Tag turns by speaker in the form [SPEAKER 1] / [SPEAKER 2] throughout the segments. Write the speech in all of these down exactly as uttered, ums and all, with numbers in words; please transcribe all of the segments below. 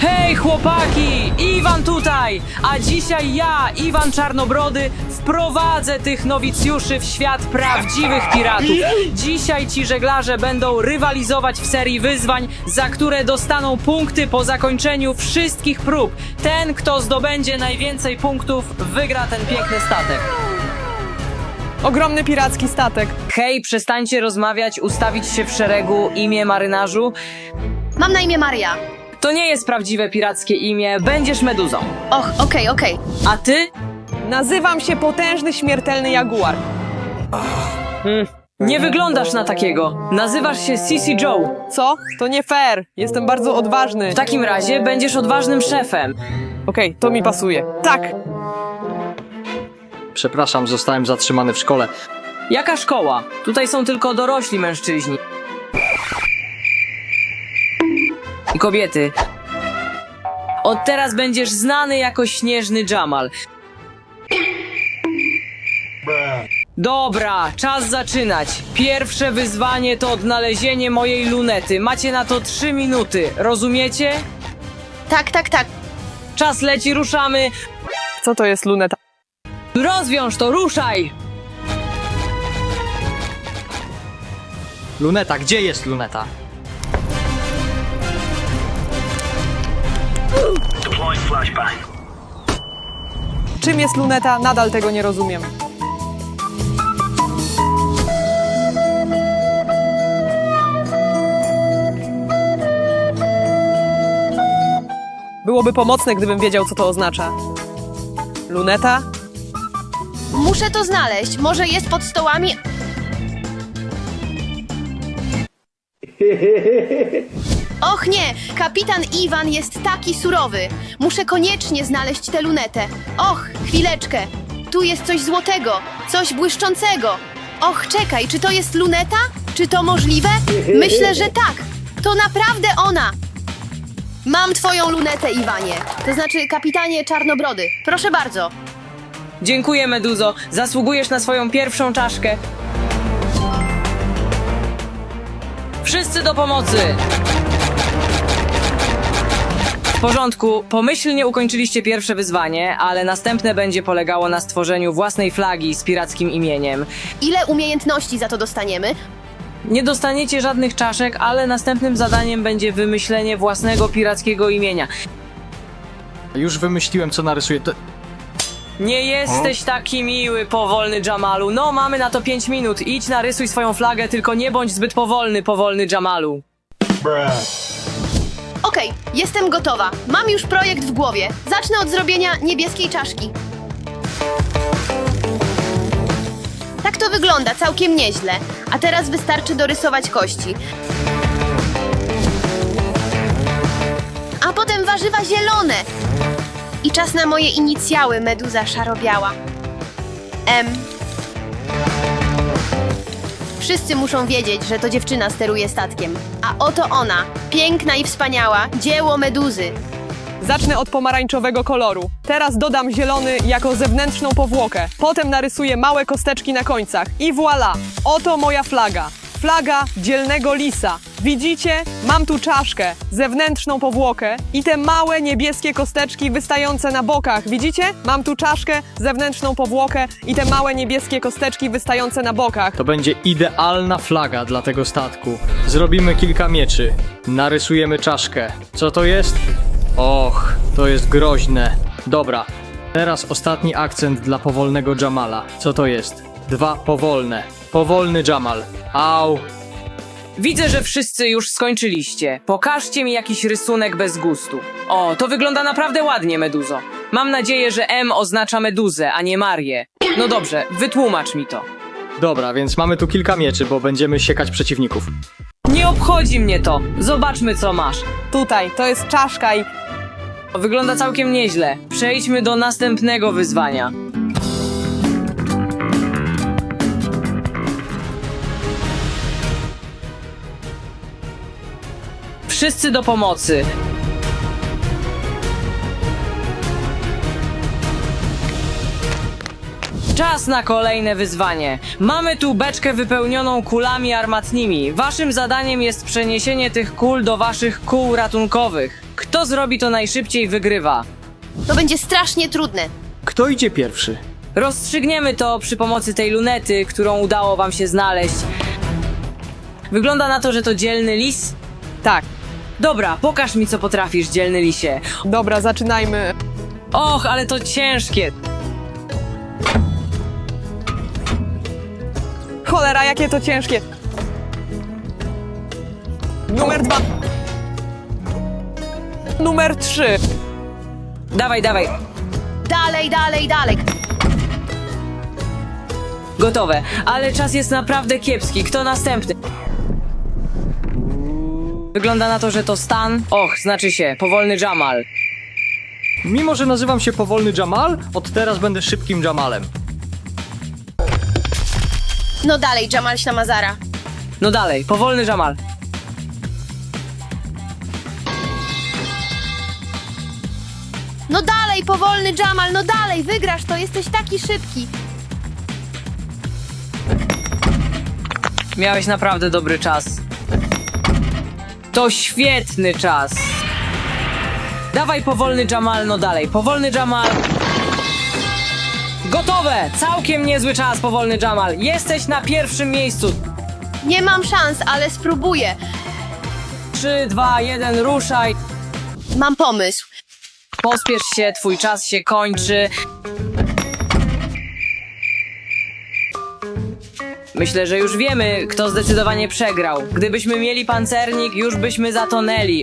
[SPEAKER 1] Hej chłopaki! Iwan tutaj! A dzisiaj ja, Iwan Czarnobrody, wprowadzę tych nowicjuszy w świat prawdziwych piratów. Dzisiaj ci żeglarze będą rywalizować w serii wyzwań, za które dostaną punkty po zakończeniu wszystkich prób. Ten, kto zdobędzie najwięcej punktów, wygra ten piękny statek.
[SPEAKER 2] Ogromny piracki statek.
[SPEAKER 1] Hej, przestańcie rozmawiać, ustawić się w szeregu, imię marynarzu.
[SPEAKER 3] Mam na imię Maria.
[SPEAKER 1] To nie jest prawdziwe pirackie imię, będziesz meduzą.
[SPEAKER 3] Och, okej, okej.
[SPEAKER 1] A ty?
[SPEAKER 2] Nazywam się Potężny Śmiertelny Jaguar.
[SPEAKER 1] Hmm. Nie wyglądasz na takiego. Nazywasz się Sissy Joe.
[SPEAKER 2] Co? To nie fair. Jestem bardzo odważny.
[SPEAKER 1] W takim razie będziesz odważnym szefem.
[SPEAKER 2] Okej, to mi pasuje. Tak!
[SPEAKER 4] Przepraszam, zostałem zatrzymany w szkole.
[SPEAKER 1] Jaka szkoła? Tutaj są tylko dorośli mężczyźni. I kobiety. Od teraz będziesz znany jako Śnieżny Jamal. Dobra, czas zaczynać. Pierwsze wyzwanie to odnalezienie mojej lunety. Macie na to trzy minuty, rozumiecie?
[SPEAKER 3] Tak, tak, tak.
[SPEAKER 1] Czas leci, ruszamy.
[SPEAKER 2] Co to jest luneta?
[SPEAKER 1] Rozwiąż to, ruszaj!
[SPEAKER 4] Luneta, gdzie jest luneta?
[SPEAKER 2] Czym jest luneta? Nadal tego nie rozumiem. Byłoby pomocne, gdybym wiedział, co to oznacza. Luneta?
[SPEAKER 3] Muszę to znaleźć. Może jest pod stołami. Och nie, kapitan Iwan jest taki surowy. Muszę koniecznie znaleźć tę lunetę. Och, chwileczkę. Tu jest coś złotego, coś błyszczącego. Och, czekaj, czy to jest luneta? Czy to możliwe? Myślę, że tak. To naprawdę ona. Mam twoją lunetę, Iwanie. To znaczy, kapitanie Czarnobrody. Proszę bardzo.
[SPEAKER 1] Dziękuję, Meduzo. Zasługujesz na swoją pierwszą czaszkę. Wszyscy do pomocy! W porządku, pomyślnie ukończyliście pierwsze wyzwanie, ale następne będzie polegało na stworzeniu własnej flagi z pirackim imieniem.
[SPEAKER 3] Ile umiejętności za to dostaniemy?
[SPEAKER 1] Nie dostaniecie żadnych czaszek, ale następnym zadaniem będzie wymyślenie własnego pirackiego imienia.
[SPEAKER 4] Już wymyśliłem, co narysuję. To...
[SPEAKER 1] Nie jesteś taki miły, powolny Jamalu. No, mamy na to pięć minut. Idź, narysuj swoją flagę, tylko nie bądź zbyt powolny, powolny Jamalu.
[SPEAKER 3] Okej, jestem gotowa. Mam już projekt w głowie. Zacznę od zrobienia niebieskiej czaszki. Tak to wygląda, całkiem nieźle. A teraz wystarczy dorysować kości. A potem warzywa zielone. I czas na moje inicjały, meduza szarobiała. M. Wszyscy muszą wiedzieć, że to dziewczyna steruje statkiem. A oto ona, piękna i wspaniała, dzieło meduzy.
[SPEAKER 2] Zacznę od pomarańczowego koloru. Teraz dodam zielony jako zewnętrzną powłokę. Potem narysuję małe kosteczki na końcach. I voilà! Oto moja flaga. Flaga dzielnego lisa. Widzicie? Mam tu czaszkę, zewnętrzną powłokę i te małe niebieskie kosteczki wystające na bokach. Widzicie? Mam tu czaszkę, zewnętrzną powłokę i te małe niebieskie kosteczki wystające na bokach.
[SPEAKER 4] To będzie idealna flaga dla tego statku. Zrobimy kilka mieczy. Narysujemy czaszkę. Co to jest? Och, to jest groźne. Dobra, teraz ostatni akcent dla powolnego Jamala. Co to jest? Dwa powolne. Powolny Jamal. Au.
[SPEAKER 1] Widzę, że wszyscy już skończyliście. Pokażcie mi jakiś rysunek bez gustu. O, to wygląda naprawdę ładnie, Meduzo. Mam nadzieję, że M oznacza Meduzę, a nie Marię. No dobrze, wytłumacz mi to.
[SPEAKER 4] Dobra, więc mamy tu kilka mieczy, bo będziemy siekać przeciwników.
[SPEAKER 1] Nie obchodzi mnie to. Zobaczmy, co masz.
[SPEAKER 2] Tutaj, to jest czaszka i...
[SPEAKER 1] Wygląda całkiem nieźle. Przejdźmy do następnego wyzwania. Wszyscy do pomocy. Czas na kolejne wyzwanie. Mamy tu beczkę wypełnioną kulami armatnimi. Waszym zadaniem jest przeniesienie tych kul do waszych kół ratunkowych. Kto Kto zrobi to najszybciej, wygrywa.
[SPEAKER 3] To będzie strasznie trudne.
[SPEAKER 4] Kto idzie pierwszy?
[SPEAKER 1] Rozstrzygniemy to przy pomocy tej lunety, którą udało wam się znaleźć. Wygląda na to, że to dzielny lis.
[SPEAKER 2] Tak.
[SPEAKER 1] Dobra, pokaż mi, co potrafisz, dzielny lisie.
[SPEAKER 2] Dobra, zaczynajmy.
[SPEAKER 1] Och, ale to ciężkie.
[SPEAKER 2] Cholera, jakie to ciężkie. Numer dwa. Numer trzy.
[SPEAKER 1] Dawaj, dawaj.
[SPEAKER 3] Dalej, dalej, dalej.
[SPEAKER 1] Gotowe, ale czas jest naprawdę kiepski. Kto następny? Wygląda na to, że to Stan. Och, znaczy się, powolny Jamal.
[SPEAKER 4] Mimo, że nazywam się powolny Jamal, od teraz będę szybkim Jamalem.
[SPEAKER 3] No dalej, Jamal Ślamazara.
[SPEAKER 1] No dalej, powolny Jamal.
[SPEAKER 3] No dalej, powolny Jamal, no dalej, wygrasz to, jesteś taki szybki.
[SPEAKER 1] Miałeś naprawdę dobry czas. To świetny czas. Dawaj, powolny Jamal, no dalej, powolny Jamal. Gotowe! Całkiem niezły czas, powolny Jamal. Jesteś na pierwszym miejscu.
[SPEAKER 3] Nie mam szans, ale spróbuję.
[SPEAKER 1] trzy, dwa, jeden, ruszaj.
[SPEAKER 3] Mam pomysł.
[SPEAKER 1] Pospiesz się, twój czas się kończy. Myślę, że już wiemy, kto zdecydowanie przegrał. Gdybyśmy mieli pancernik, już byśmy zatonęli.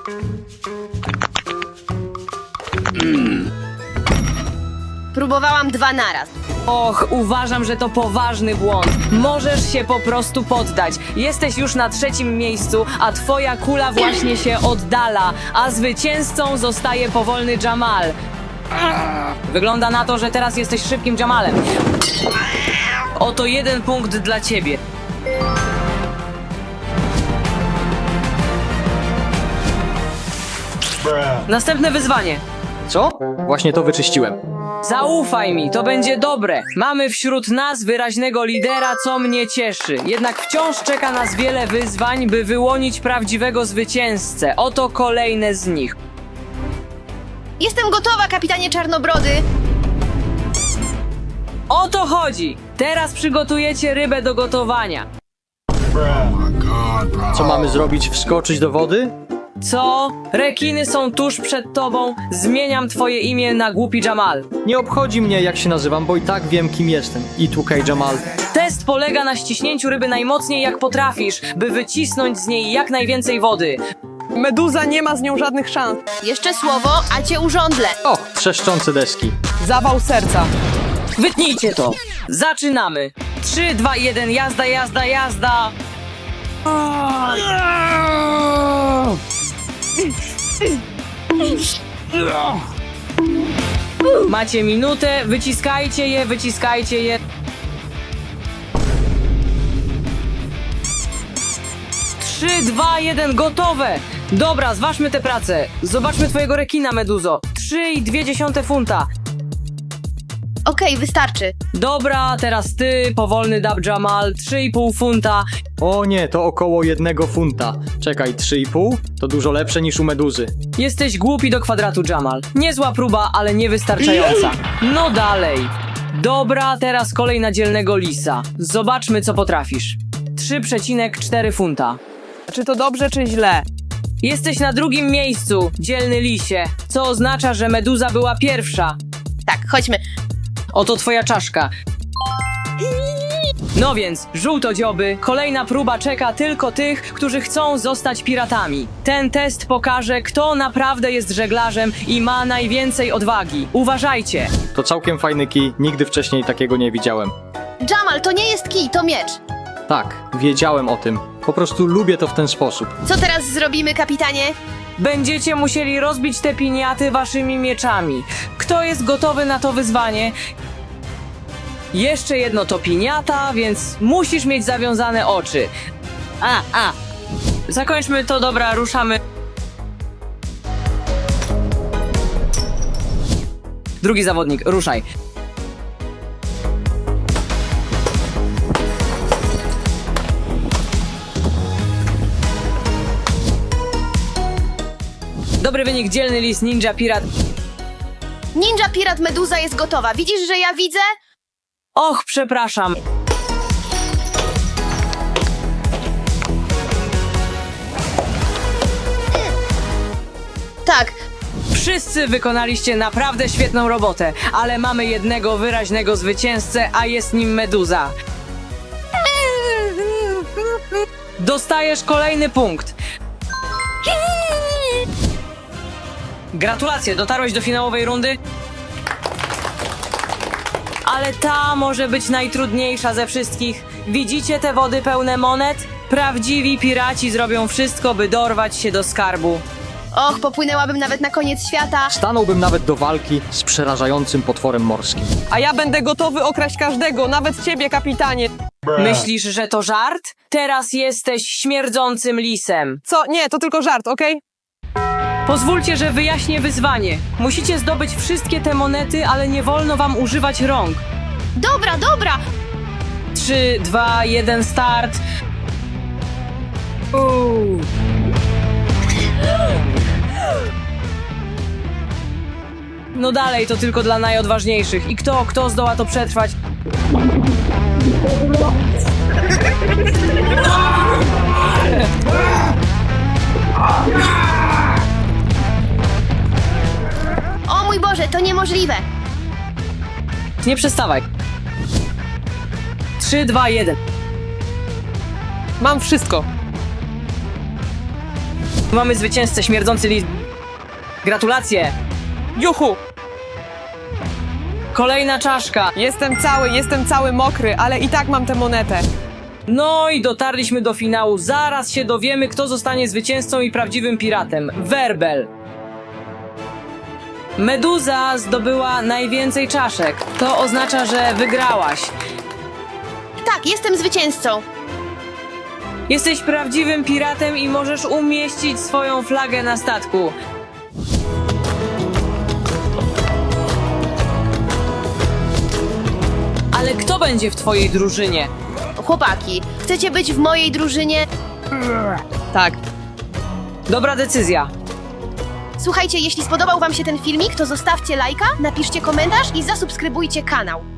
[SPEAKER 3] Próbowałam dwa naraz.
[SPEAKER 1] Och, uważam, że to poważny błąd. Możesz się po prostu poddać. Jesteś już na trzecim miejscu, a twoja kula właśnie się oddala, a zwycięzcą zostaje powolny Jamal. Wygląda na to, że teraz jesteś szybkim Jamalem. Oto jeden punkt dla ciebie. Następne wyzwanie.
[SPEAKER 4] Co? Właśnie to wyczyściłem.
[SPEAKER 1] Zaufaj mi, to będzie dobre. Mamy wśród nas wyraźnego lidera, co mnie cieszy. Jednak wciąż czeka nas wiele wyzwań, by wyłonić prawdziwego zwycięzcę. Oto kolejne z nich.
[SPEAKER 3] Jestem gotowa, kapitanie Czarnobrody.
[SPEAKER 1] O to chodzi! Teraz przygotujecie rybę do gotowania.
[SPEAKER 4] Co mamy zrobić? Wskoczyć do wody?
[SPEAKER 1] Co? Rekiny są tuż przed tobą. Zmieniam twoje imię na głupi Jamal.
[SPEAKER 4] Nie obchodzi mnie, jak się nazywam, bo i tak wiem, kim jestem. I tukaj Jamal.
[SPEAKER 1] Test polega na ściśnięciu ryby najmocniej jak potrafisz, by wycisnąć z niej jak najwięcej wody.
[SPEAKER 2] Meduza nie ma z nią żadnych szans.
[SPEAKER 3] Jeszcze słowo, a cię urządlę.
[SPEAKER 4] O, trzeszczące deski.
[SPEAKER 2] Zawał serca.
[SPEAKER 1] Wytnijcie to. Zaczynamy. trzy, dwa, jeden, jazda, jazda, jazda. Macie minutę, wyciskajcie je, wyciskajcie je. trzy, dwa, jeden, gotowe! Dobra, zważmy tę pracę. Zobaczmy twojego rekina, Meduzo. trzy i dwie dziesiąte funta.
[SPEAKER 3] Okej, wystarczy.
[SPEAKER 1] Dobra, teraz ty, powolny Dab Jamal, trzy i pół funta.
[SPEAKER 4] O nie, to około jednego funta. Czekaj, trzy i pół? To dużo lepsze niż u Meduzy.
[SPEAKER 1] Jesteś głupi do kwadratu, Jamal. Niezła próba, ale niewystarczająca. No dalej. Dobra, teraz kolej na dzielnego lisa. Zobaczmy, co potrafisz. trzy przecinek cztery funta.
[SPEAKER 2] Czy to dobrze, czy źle?
[SPEAKER 1] Jesteś na drugim miejscu, dzielny lisie, co oznacza, że Meduza była pierwsza.
[SPEAKER 3] Tak, chodźmy.
[SPEAKER 1] Oto twoja czaszka. No więc, żółtodzioby, kolejna próba czeka tylko tych, którzy chcą zostać piratami. Ten test pokaże, kto naprawdę jest żeglarzem i ma najwięcej odwagi. Uważajcie!
[SPEAKER 4] To całkiem fajny kij, nigdy wcześniej takiego nie widziałem.
[SPEAKER 3] Jamal, to nie jest kij, to miecz.
[SPEAKER 4] Tak, wiedziałem o tym. Po prostu lubię to w ten sposób.
[SPEAKER 3] Co teraz zrobimy, kapitanie?
[SPEAKER 1] Będziecie musieli rozbić te piniaty waszymi mieczami. Kto jest gotowy na to wyzwanie? Jeszcze jedno to piniata, więc musisz mieć zawiązane oczy. A, a. Zakończmy to, dobra, ruszamy. Drugi zawodnik, ruszaj. Dobry Dobry wynik, dzielny lis, ninja, pirat.
[SPEAKER 3] Ninja Pirat Meduza jest gotowa. Widzisz, że ja widzę?
[SPEAKER 1] Och, przepraszam.
[SPEAKER 3] Tak.
[SPEAKER 1] Wszyscy wykonaliście naprawdę świetną robotę, ale mamy jednego wyraźnego zwycięzcę, a jest nim Meduza. Dostajesz kolejny punkt. Gratulacje, dotarłeś do finałowej rundy. Ale ta może być najtrudniejsza ze wszystkich. Widzicie te wody pełne monet? Prawdziwi piraci zrobią wszystko, by dorwać się do skarbu.
[SPEAKER 3] Och, popłynęłabym nawet na koniec świata.
[SPEAKER 4] Stanąłbym nawet do walki z przerażającym potworem morskim.
[SPEAKER 2] A ja będę gotowy okraść każdego, nawet ciebie, kapitanie.
[SPEAKER 1] Myślisz, że to żart? Teraz jesteś śmierdzącym lisem.
[SPEAKER 2] Co? Nie, to tylko żart, okej?
[SPEAKER 1] Pozwólcie, że wyjaśnię wyzwanie. Musicie zdobyć wszystkie te monety, ale nie wolno wam używać rąk.
[SPEAKER 3] Dobra, dobra.
[SPEAKER 1] Trzy, dwa, jeden, start. Uuu. No dalej, to tylko dla najodważniejszych. I kto, kto zdoła to przetrwać?
[SPEAKER 3] O mój Boże, to niemożliwe.
[SPEAKER 1] Nie przestawaj. Trzy, dwa, jeden.
[SPEAKER 2] Mam wszystko.
[SPEAKER 1] Mamy zwycięzcę, śmierdzący lis. Gratulacje.
[SPEAKER 2] Juhu!
[SPEAKER 1] Kolejna czaszka.
[SPEAKER 2] Jestem cały, jestem cały mokry, ale i tak mam tę monetę.
[SPEAKER 1] No i dotarliśmy do finału. Zaraz się dowiemy, kto zostanie zwycięzcą i prawdziwym piratem. Werbel. Meduza zdobyła najwięcej czaszek. To oznacza, że wygrałaś.
[SPEAKER 3] Tak, jestem zwycięzcą.
[SPEAKER 1] Jesteś prawdziwym piratem i możesz umieścić swoją flagę na statku. Ale kto będzie w twojej drużynie?
[SPEAKER 3] Chłopaki, chcecie być w mojej drużynie?
[SPEAKER 2] Tak.
[SPEAKER 1] Dobra decyzja.
[SPEAKER 3] Słuchajcie, jeśli spodobał wam się ten filmik, to zostawcie lajka, napiszcie komentarz i zasubskrybujcie kanał.